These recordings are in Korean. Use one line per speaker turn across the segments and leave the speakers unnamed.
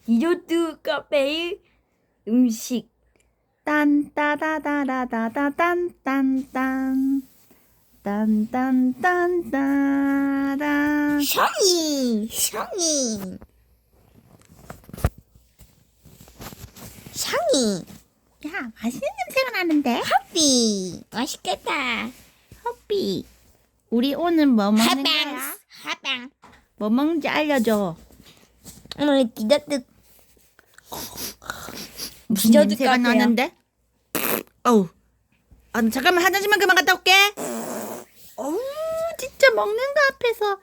디저트 카페의 음식.
딴따다다다다단딴딴 딴딴딴따단
샹이
야, 맛있는 냄새가 나는데?
커피 맛있겠다.
허삐, 우리 오늘 뭐 먹는 거야?
하방
뭐 먹는지 알려줘.
오늘 디저트
무슨
디저트
냄새가
카페야.
나는데? 어우, 잠깐만 화장실만 그만 갔다 올게. 어우, 진짜 먹는 거 앞에서.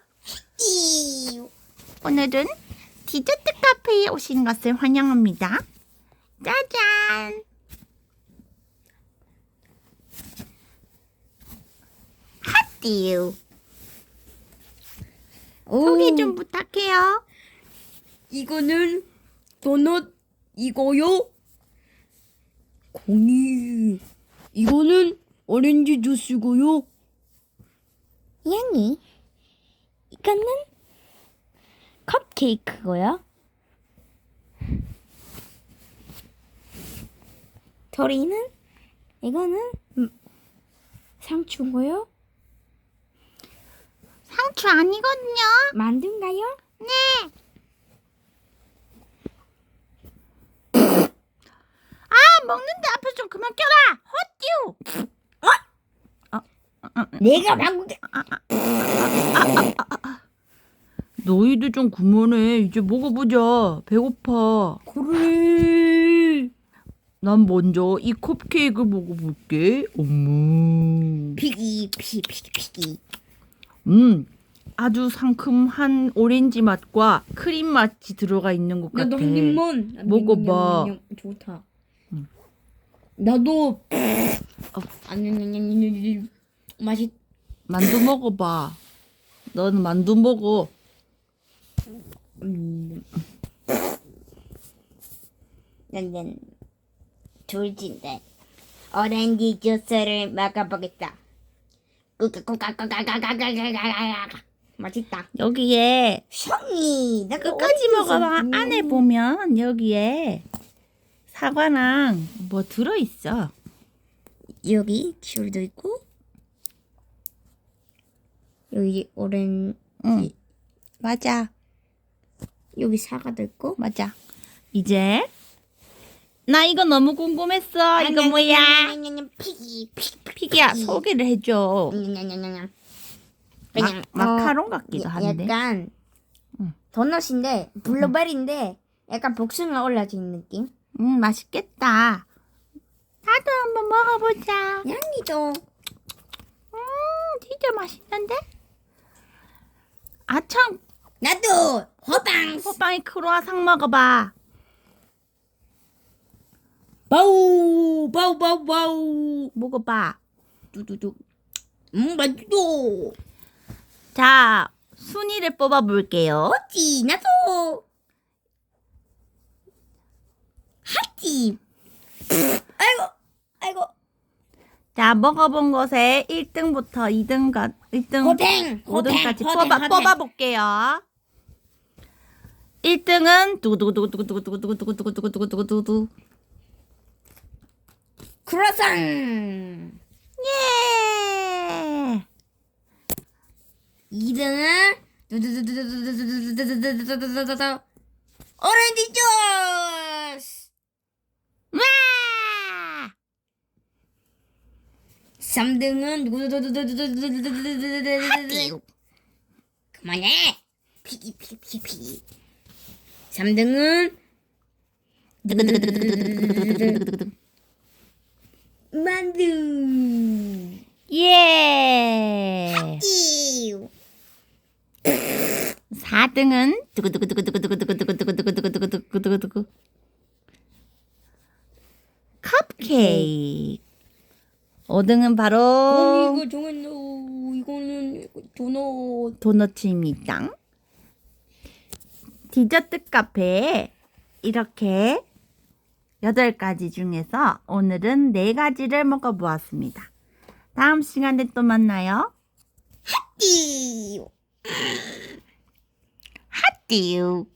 오늘은 디저트 카페에 오신 것을 환영합니다. 짜잔. 핫띠유. 소개 좀 부탁해요.
이거는 도넛이고요. 공이. 이거는 오렌지 주스고요.
양이
이거는 컵케이크고요. 토리는 이거는 상추고요.
상추 아니거든요.
만두인가요?
네. 먹는데 앞에서 좀 그만 껴라. 헛띠우.
내가 방금
너희들 좀 그만해. 이제 먹어보자. 배고파.
그래.
난 먼저 이 컵케이크 먹어볼게. 어머.
피기
아주 상큼한 오렌지 맛과 크림 맛이 들어가 있는 것 같아.
나도 한 입만.
먹어봐.
좋다. 나도. 아니, 맛이.
만두 먹어봐. 너는 만두 먹어.
난 둘째인데 오렌지 주스를 먹어보겠다.
맛있다.
여기에
샹이 나
끝까지 먹어봐. 안에 보면 여기에 사과랑 뭐 들어있어.
여기 귤도 있고 여기 오렌지
응. 맞아.
여기 사과도 있고
맞아. 이제 나 이거 너무 궁금했어. 이거 뭐야?
피기
피기야, 소개를 해줘.
그냥
마카롱 같기도 한데.
약간
응.
도넛인데 블루베리인데 약간 복숭아 올라진 느낌.
맛있겠다. 나도 한번 먹어보자.
양이도
진짜 맛있는데? 아참,
나도 호빵
호빵이 크로아상 먹어봐.
바우.
먹어봐.
두두두.
맛있어.
자, 순위를 뽑아볼게요.
하지 나도 하지. 아이고
자, 먹어본 것에 1등부터 1등,
호팽
5등까지 뽑아볼게요. 1등은 두구두구두구두구두구두구두구두구두구두구두구.
크로상.
예!
2등은 오렌지 주스.
와!
3등은 그만해. 피기. 3등은 만두.
예!
띠우.
4등은 두구두구두구두구두구두구두구두구두구두구두구 컵케이크. 5등은 바로
이거 정했노. 이거는 도넛.
도너츠입니다. 디저트 카페에 이렇게 8가지 중에서 오늘은 4가지를 먹어보았습니다. 다음 시간에 또 만나요.
띠우.
핫띠유.